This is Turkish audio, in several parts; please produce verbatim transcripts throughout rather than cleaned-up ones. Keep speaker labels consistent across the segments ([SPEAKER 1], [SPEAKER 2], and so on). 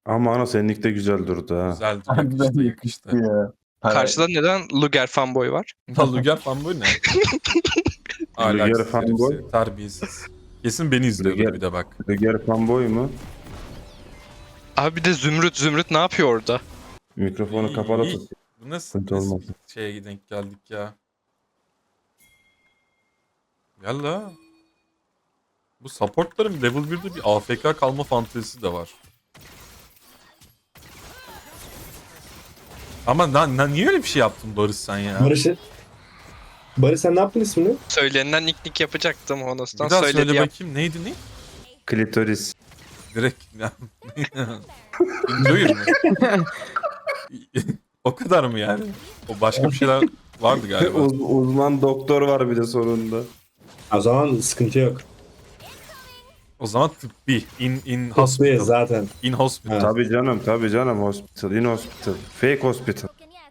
[SPEAKER 1] Ama ana seninlik de güzel durdu ha.
[SPEAKER 2] Güzeldi,
[SPEAKER 3] Harbiden
[SPEAKER 2] yakıştı
[SPEAKER 3] yakıştı
[SPEAKER 2] yakıştı.
[SPEAKER 3] ya.
[SPEAKER 4] Karşıda neden Luger fanboy var?
[SPEAKER 2] Lan Luger fanboy ne?
[SPEAKER 1] Luger
[SPEAKER 2] Ahlaksız herif
[SPEAKER 1] fanboy.
[SPEAKER 2] seni, terbiyesiz. Kesin beni izliyordur
[SPEAKER 1] Luger-
[SPEAKER 2] bir de bak.
[SPEAKER 1] Luger fanboy mu?
[SPEAKER 4] Abi bir de Zümrüt Zümrüt ne yapıyor orada?
[SPEAKER 1] Mikrofonu
[SPEAKER 2] İyi,
[SPEAKER 1] kapalı
[SPEAKER 2] iyi.
[SPEAKER 1] tut.
[SPEAKER 2] Bu nasıl,
[SPEAKER 1] Sıkıntı
[SPEAKER 2] nasıl
[SPEAKER 1] olmasın.
[SPEAKER 2] bir şeye denk geldik ya? Gel la. Bu supportların level birde bir A F K kalma fantezisi de var. Ama na, na- niye öyle bir şey yaptın Barış sen ya?
[SPEAKER 5] Barış, Barış sen ne yaptın ismini?
[SPEAKER 4] Söylenilen nick nick yapacaktım
[SPEAKER 2] Bir
[SPEAKER 4] Honos'tan.
[SPEAKER 2] daha
[SPEAKER 4] Söyledi
[SPEAKER 2] söyle
[SPEAKER 4] yap.
[SPEAKER 2] bakayım neydi ne?
[SPEAKER 1] Klitoris.
[SPEAKER 2] Direkt ya. Enjoyer mı? O kadar mı yani? O başka bir şeyler vardı galiba.
[SPEAKER 1] Uz- uzman doktor var bir de sonunda.
[SPEAKER 5] O zaman sıkıntı yok.
[SPEAKER 2] O zaman tıbbi. In, in
[SPEAKER 5] Hospital
[SPEAKER 2] hospital.
[SPEAKER 5] zaten.
[SPEAKER 2] In hospital.
[SPEAKER 5] Ha.
[SPEAKER 1] Tabii canım tabii canım hospital in hospital. Fake hospital.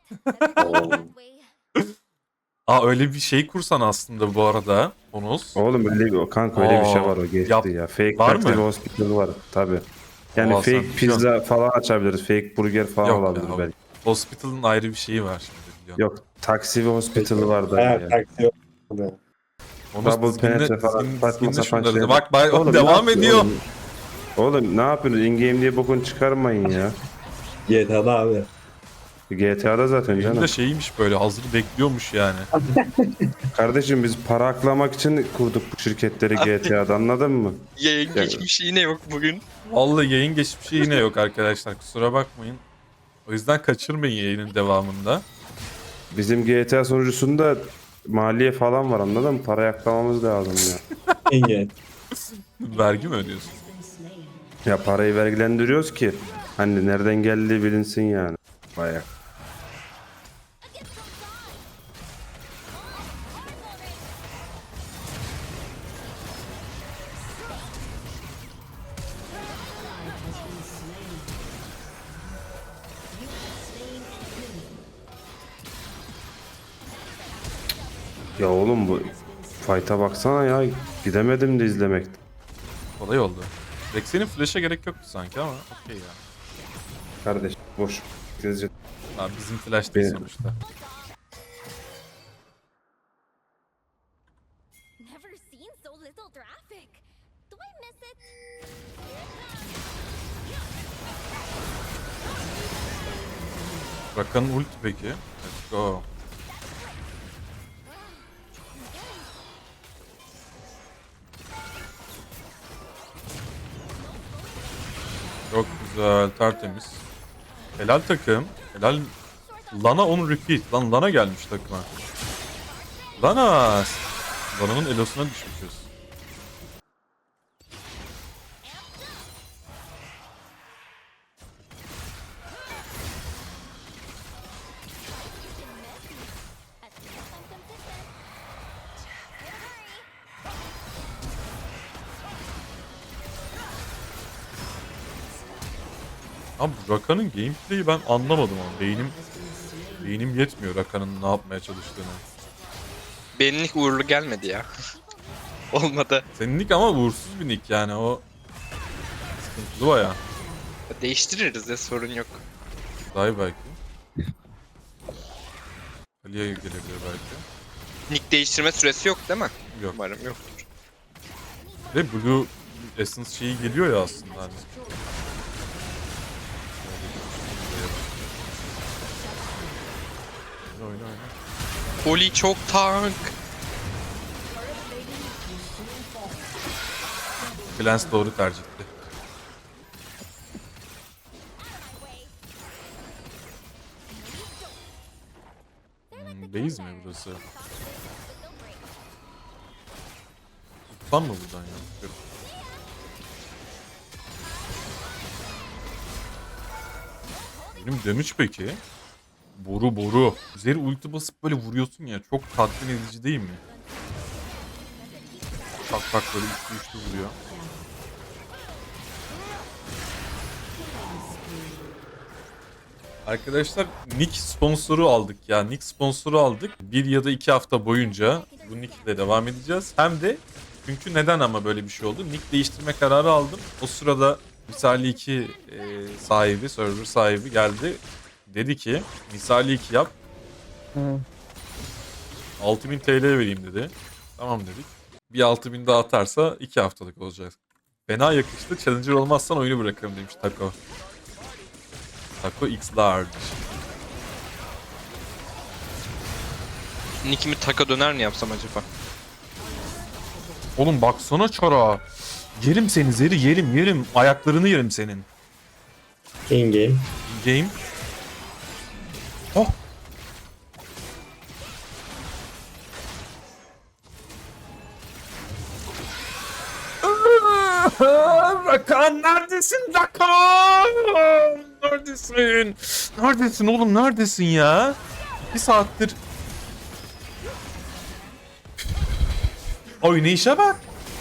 [SPEAKER 2] Aa öyle bir şey kursan aslında bu arada. Bonus.
[SPEAKER 1] Oğlum öyle bir kanka öyle bir şey
[SPEAKER 2] Aa,
[SPEAKER 1] var o geçti
[SPEAKER 2] yap-
[SPEAKER 1] ya. Fake
[SPEAKER 2] var
[SPEAKER 1] taksi
[SPEAKER 2] mı?
[SPEAKER 1] ve hospital var tabii. Yani
[SPEAKER 2] Aa, sen
[SPEAKER 1] fake pizza
[SPEAKER 2] biliyorsun.
[SPEAKER 1] falan açabiliriz. Fake burger falan
[SPEAKER 2] Yok
[SPEAKER 1] olabilir
[SPEAKER 2] ya,
[SPEAKER 1] belki.
[SPEAKER 2] Hospital'ın ayrı bir şeyi var şimdi biliyorsun.
[SPEAKER 1] Yok taksi ve hospital var da
[SPEAKER 5] Bayağı
[SPEAKER 1] ya.
[SPEAKER 5] taksi yok.
[SPEAKER 2] Onu
[SPEAKER 1] Double
[SPEAKER 2] skinle-
[SPEAKER 1] penetre falan
[SPEAKER 2] skin-
[SPEAKER 1] saçma
[SPEAKER 2] skinle
[SPEAKER 1] sapan
[SPEAKER 2] şunları da-
[SPEAKER 1] şeyler.
[SPEAKER 2] Bak bay-
[SPEAKER 1] Oğlum, ne
[SPEAKER 2] devam
[SPEAKER 1] yapıyorsun
[SPEAKER 2] ediyor.
[SPEAKER 1] Oğlum? Oğlum ne yapıyorsunuz? In-game diye bokunu çıkarmayın ya.
[SPEAKER 5] G T A'da abi.
[SPEAKER 1] G T A'da zaten
[SPEAKER 2] Benim
[SPEAKER 1] canım.
[SPEAKER 2] de şeymiş böyle hazır bekliyormuş yani.
[SPEAKER 1] Kardeşim biz para aklamak için kurduk bu şirketleri G T A'da anladın mı?
[SPEAKER 4] Yayın
[SPEAKER 1] Ya-
[SPEAKER 4] geçmişi yine yok bugün.
[SPEAKER 2] Vallahi yayın geçmişi yine yok arkadaşlar kusura bakmayın. O yüzden kaçırmayın yayının devamında.
[SPEAKER 1] Bizim G T A sonucusunda maliye falan var anladın mı? Para aklamamız lazım ya.
[SPEAKER 5] Engel.
[SPEAKER 2] Vergi mi ödüyorsun?
[SPEAKER 1] Ya parayı vergilendiriyoruz ki hani nereden geldiği bilinsin yani. Bayağı. Ya oğlum bu fight'a baksana ya. Gidemedim de izlemekten.
[SPEAKER 2] Kolay oldu. Rex'in flash'a gerek yoktu sanki ama okey ya.
[SPEAKER 1] Kardeş boş. Gezecek.
[SPEAKER 2] Abi bizim flash değil
[SPEAKER 1] Benim.
[SPEAKER 2] sonuçta.
[SPEAKER 6] Never seen so little traffic. Do I miss it?
[SPEAKER 2] Rakan'ın ulti peki. Let's go. Çok güzel, tertemiz. Helal takım. Helal. Lana on repeat. Lan Lana gelmiş takıma. Lana. Lana'nın elosuna düşmüşüz. Abi Rakan'ın gameplay'i ben anlamadım ama beynim beynim yetmiyor Rakan'ın ne yapmaya çalıştığını.
[SPEAKER 4] Benlik uğurlu gelmedi ya. Olmadı.
[SPEAKER 2] Senin nick ama uğursuz bir nick yani o sıkıntılı baya.
[SPEAKER 4] Değiştiririz ya sorun yok.
[SPEAKER 2] Daha belki. Ali'ye gelebilir belki.
[SPEAKER 4] Nick değiştirme süresi yok değil mi?
[SPEAKER 2] Yok.
[SPEAKER 4] Umarım yoktur.
[SPEAKER 2] Ve Blue Essence şeyi geliyor ya aslında hani. Oyna oyna oyna.
[SPEAKER 4] Oli çok tank.
[SPEAKER 2] Clans doğru tercih etti. Hmm, base mi burası? Tutsam mı buradan ya? Yok. Benim damage peki? Boru boru. Üzeri ulti basıp böyle vuruyorsun ya çok tatmin edici değil mi? Tak tak böyle üçlü üçlü vuruyor. Arkadaşlar Nick sponsoru aldık ya. Nick sponsoru aldık. Bir ya da iki hafta boyunca bu Nick ile devam edeceğiz. Hem de çünkü neden ama böyle bir şey oldu? Nick değiştirme kararı aldım. O sırada Misali iki e, sahibi, server sahibi geldi. Dedi ki Misali iki yap. altı bin T L vereyim dedi. Tamam dedik. Bir altı bin daha atarsa iki haftalık olacak. Fena yakıştı. Challenger olmazsan oyunu bırakırım demiş Taco. Taco X Large.
[SPEAKER 4] Nick'imi taka döner mi yapsam acaba?
[SPEAKER 2] Oğlum baksana çara. Yerim seni Zeri, yerim yerim. Ayaklarını yerim senin.
[SPEAKER 5] In game.
[SPEAKER 2] Game. Oh. Rakan neredesin Rakan? Neredesin? Neredesin oğlum neredesin ya? Bir saattir. Oynayışa bak.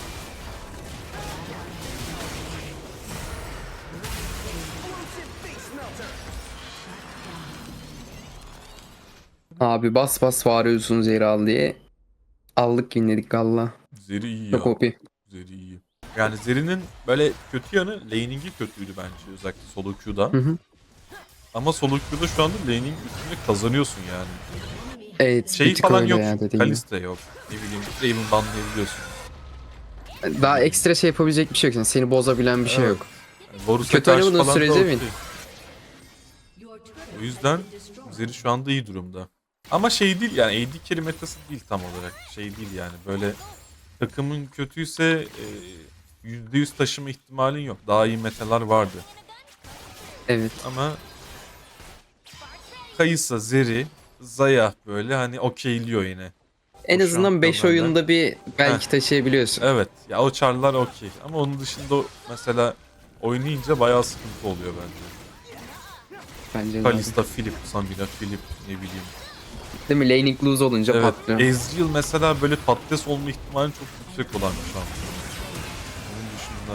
[SPEAKER 3] Abi bas bas bağırıyorsun Zehra al diye. Aldık yinledik galla.
[SPEAKER 2] Zeri iyi ya.
[SPEAKER 3] Çok O P.
[SPEAKER 2] Zeri iyi. Yani Zeri'nin böyle kötü yanı laning'i kötüydü bence özellikle solo queue'da.
[SPEAKER 3] Hı hı.
[SPEAKER 2] Ama solo queue'da şu anda laning üstünde kazanıyorsun yani.
[SPEAKER 3] Evet
[SPEAKER 2] Şey
[SPEAKER 3] bir tık
[SPEAKER 2] falan
[SPEAKER 3] öyle
[SPEAKER 2] yok.
[SPEAKER 3] ya
[SPEAKER 2] çünkü,
[SPEAKER 3] dediğim gibi.
[SPEAKER 2] Kalista yok. Ne bileyim Draven banlayabiliyorsun.
[SPEAKER 3] Daha ekstra şey yapabilecek bir şey yok. Yani seni bozabilen bir şey
[SPEAKER 2] Evet.
[SPEAKER 3] yok.
[SPEAKER 2] Yani Varus'a
[SPEAKER 3] Kötü
[SPEAKER 2] karşı
[SPEAKER 3] oynamadığın
[SPEAKER 2] falan da
[SPEAKER 3] sürece
[SPEAKER 2] okey.
[SPEAKER 3] mi?
[SPEAKER 2] O yüzden Zeri şu anda iyi durumda. Ama şey değil yani A D carry metası değil tam olarak. Şey değil yani böyle takımın kötüyse e, yüzde yüz taşıma ihtimalin yok. Daha iyi metalar vardı.
[SPEAKER 3] Evet.
[SPEAKER 2] Ama Kayısa, Zeri, Zaya böyle hani okeyliyor yine.
[SPEAKER 3] En
[SPEAKER 2] O
[SPEAKER 3] azından beş
[SPEAKER 2] şampiyonlardan.
[SPEAKER 3] oyunda bir belki taşıyabiliyorsun.
[SPEAKER 2] Evet ya o çarlar okey. Ama onun dışında o- mesela oynayınca bayağı sıkıntı oluyor bence.
[SPEAKER 3] Bence de.
[SPEAKER 2] Kalista, Philip, Samira, Philip ne bileyim.
[SPEAKER 3] Değil mi? Laning lose olunca
[SPEAKER 2] Evet
[SPEAKER 3] patlıyor.
[SPEAKER 2] Ezreal mesela böyle patates olma ihtimali çok yüksek olan bir şampiyon. Onun dışında...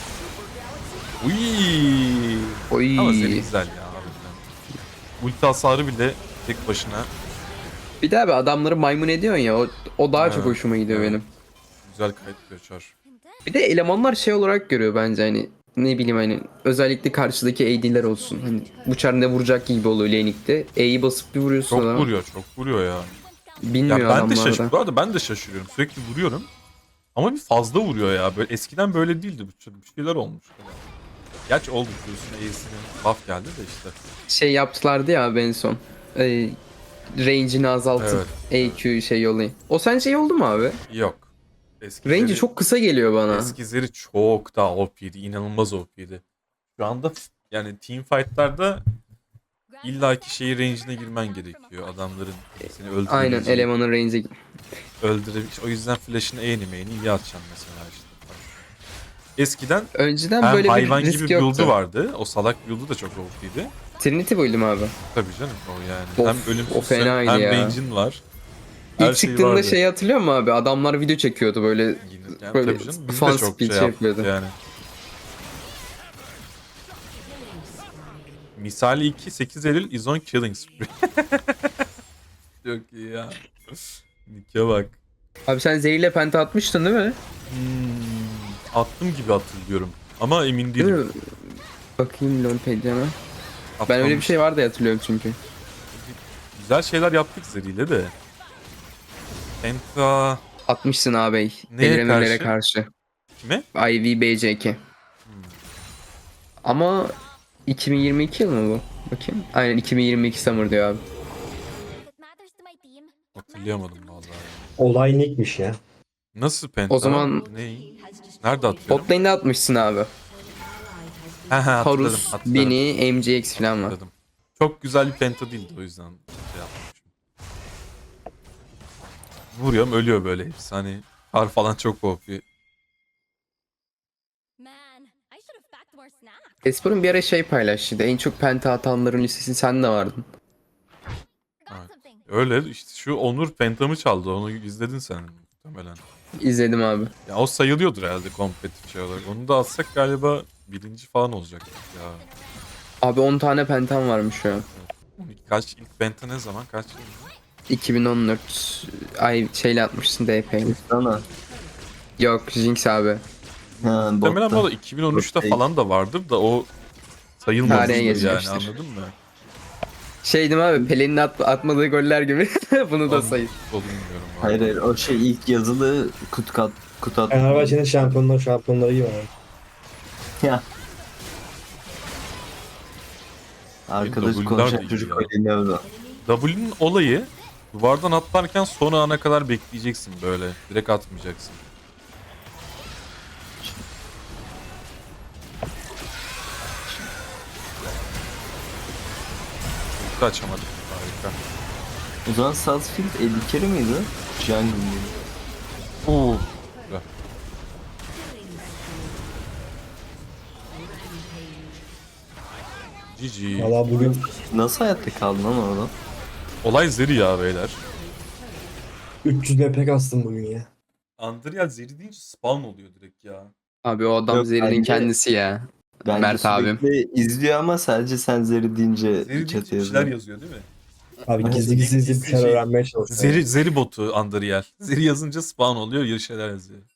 [SPEAKER 2] Uyyy.
[SPEAKER 3] Oy.
[SPEAKER 2] Ama Zeri güzel ya harbiden. Ulti hasarı bile tek başına
[SPEAKER 3] Bir daha be adamları maymun ediyorsun ya. O, o daha çok
[SPEAKER 2] Evet,
[SPEAKER 3] hoşuma gidiyor
[SPEAKER 2] evet.
[SPEAKER 3] benim.
[SPEAKER 2] güzel kayıt çar.
[SPEAKER 3] Bir de elemanlar şey olarak görüyor bence hani ne bileyim hani özellikle karşıdaki A D'ler olsun. Hani bu çar ne vuracak gibi oluyor laning'de. E'yi basıp bir vuruyorsun
[SPEAKER 2] Çok
[SPEAKER 3] adama.
[SPEAKER 2] vuruyor, çok vuruyor ya.
[SPEAKER 3] Bilmiyor
[SPEAKER 2] Ya ben de
[SPEAKER 3] adamlar
[SPEAKER 2] şaşırıyorum.
[SPEAKER 3] da.
[SPEAKER 2] Bu arada ben de şaşırıyorum. Sürekli vuruyorum. Ama bir fazla vuruyor ya. Böyle eskiden böyle değildi. Bu bir şeyler olmuş. Gerçi oldu diyorsun. E'sinin buff geldi de işte.
[SPEAKER 3] Şey yaptılardı ya abi en son. Ee, range'ini azaltıp E Q şey yollayın. O sence iyi oldu mu abi?
[SPEAKER 2] Yok. Eskileri,
[SPEAKER 3] Range'i çok kısa geliyor bana.
[SPEAKER 2] eskileri çok daha O P'ydi. İnanılmaz O P'ydi. Şu anda yani team fight'larda illaki şeyi range'ine girmen gerekiyor. Adamların seni
[SPEAKER 3] Aynen
[SPEAKER 2] öldürebileceği.
[SPEAKER 3] elemanın range'i.
[SPEAKER 2] Öldürebilecek. O yüzden flash'ını eğnimeğini iyi atacaksın mesela işte. Eskiden
[SPEAKER 3] Önceden
[SPEAKER 2] hem
[SPEAKER 3] böyle bir
[SPEAKER 2] hayvan
[SPEAKER 3] risk
[SPEAKER 2] gibi
[SPEAKER 3] yoktu.
[SPEAKER 2] build'u vardı. O salak build'u da çok O P'ydi.
[SPEAKER 3] Trinity build'um abi.
[SPEAKER 2] Tabii canım o yani.
[SPEAKER 3] Of,
[SPEAKER 2] hem ölümsüzsün
[SPEAKER 3] o fenaydı
[SPEAKER 2] hem
[SPEAKER 3] ya.
[SPEAKER 2] range'in var. Her
[SPEAKER 3] İlk
[SPEAKER 2] şey
[SPEAKER 3] çıktığında
[SPEAKER 2] vardı.
[SPEAKER 3] şeyi hatırlıyor musun abi? Adamlar video çekiyordu böyle.
[SPEAKER 2] Yine- yani
[SPEAKER 3] böyle
[SPEAKER 2] tabii canım biz
[SPEAKER 3] fan
[SPEAKER 2] de çok
[SPEAKER 3] speech
[SPEAKER 2] şey yaptık
[SPEAKER 3] yapıyordu.
[SPEAKER 2] yani. Misali iki sekiz Eylül is on killing spree. Çok iyi ya. Nike bak.
[SPEAKER 3] Abi sen zehirle penta atmıştın değil mi?
[SPEAKER 2] Hmm, attım gibi hatırlıyorum. Ama emin
[SPEAKER 3] Değil
[SPEAKER 2] değilim.
[SPEAKER 3] mi? Bakayım Lonpedia'na. Ben öyle bir şey var diye hatırlıyorum çünkü.
[SPEAKER 2] Güzel şeyler yaptık Zeri'yle de. Penta
[SPEAKER 3] Atmışsın ağabey.
[SPEAKER 2] Neye
[SPEAKER 3] Deliremelere
[SPEAKER 2] karşı?
[SPEAKER 3] karşı.
[SPEAKER 2] kime?
[SPEAKER 3] I V B C K. Ama iki bin yirmi iki yıl mı bu? Bakayım. Aynen iki bin yirmi iki Summer diyor abi.
[SPEAKER 6] If it matters to my team,
[SPEAKER 2] Hatırlayamadım vallahi.
[SPEAKER 5] Olay Nick'miş ya.
[SPEAKER 2] Nasıl Penta?
[SPEAKER 3] O zaman-
[SPEAKER 2] Ne? Nerede atıyorum?
[SPEAKER 3] Bot lane'de atmışsın abi.
[SPEAKER 2] Ha ha hatırladım.
[SPEAKER 3] Horus,
[SPEAKER 2] hatırladım.
[SPEAKER 3] Bini, M G X falan var.
[SPEAKER 2] Hatırladım. Çok güzel bir penta değildi o yüzden şey yapmışım. Vuruyorum ölüyor böyle hepsi hani. Kar falan çok O P.
[SPEAKER 6] man, I should have packed more snacks.
[SPEAKER 3] Espor'un bir ara şey paylaştı. En çok penta atanların listesi sen de vardın.
[SPEAKER 6] Forgot
[SPEAKER 2] Evet.
[SPEAKER 6] something.
[SPEAKER 2] Öyle işte şu Onur pentamı çaldı onu izledin sen muhtemelen.
[SPEAKER 3] İzledim abi.
[SPEAKER 2] Ya o sayılıyordur herhalde kompetitif şey olarak. Onu da atsak galiba birinci falan olacak ya.
[SPEAKER 3] Abi on tane pentam varmış şu an.
[SPEAKER 2] on iki kaç ilk penta ne zaman kaç yıl?
[SPEAKER 3] iki bin on dört ay şeyle atmışsın D P'yle. Sana. Yok Jinx abi.
[SPEAKER 7] Ha,
[SPEAKER 2] Muhtemelen
[SPEAKER 7] botta.
[SPEAKER 2] bu da iki bin on üçte
[SPEAKER 7] Okey.
[SPEAKER 2] falan da vardır da o sayılmaz
[SPEAKER 3] Tarihe
[SPEAKER 2] yani
[SPEAKER 3] geçmiştir.
[SPEAKER 2] anladın mı?
[SPEAKER 3] Şey değil mi abi Pelin'in at- atmadığı goller gibi bunu da
[SPEAKER 2] Onu-
[SPEAKER 3] sayın.
[SPEAKER 2] onu bilmiyorum. abi.
[SPEAKER 7] Hayır hayır o şey ilk yazılı kut kat kut at.
[SPEAKER 5] Fenerbahçe'nin şampiyonlar şampiyonları gibi var.
[SPEAKER 7] Ya. Arkadaş
[SPEAKER 2] W'lar da
[SPEAKER 7] konuşan
[SPEAKER 2] iyi
[SPEAKER 7] çocuk
[SPEAKER 2] ya.
[SPEAKER 7] öyle ne oldu?
[SPEAKER 2] W'nin olayı duvardan atlarken son ana kadar bekleyeceksin böyle. Direkt atmayacaksın. Ulti açamadık. Harika.
[SPEAKER 7] O zaman Sarsfield elli kere miydi? Jungle mıydı?
[SPEAKER 2] Oo. G G.
[SPEAKER 5] Valla bugün
[SPEAKER 7] Nasıl hayatta kaldın lan orada?
[SPEAKER 2] Olay Zeri ya beyler.
[SPEAKER 5] üç yüz B P kastım bugün ya.
[SPEAKER 2] Andriel Zeri deyince spawn oluyor direkt ya.
[SPEAKER 3] Abi o adam
[SPEAKER 7] Yok,
[SPEAKER 3] Zeri'nin
[SPEAKER 7] bence-
[SPEAKER 3] kendisi ya.
[SPEAKER 7] Bence
[SPEAKER 3] Mert abim.
[SPEAKER 7] sürekli izliyor ama sadece sen Zeri deyince
[SPEAKER 2] Zeri deyince
[SPEAKER 7] chat'e
[SPEAKER 2] bir şeyler
[SPEAKER 7] yazıyor.
[SPEAKER 2] yazıyor değil mi?
[SPEAKER 5] Abi
[SPEAKER 2] Ama
[SPEAKER 5] gizli gizli
[SPEAKER 2] gizli
[SPEAKER 5] izleyip bir şeyler
[SPEAKER 2] şey-
[SPEAKER 5] öğrenmeye çalışıyorum.
[SPEAKER 2] Zeri, Zeri botu Andriel. Zeri yazınca spawn oluyor, bir şeyler yazıyor.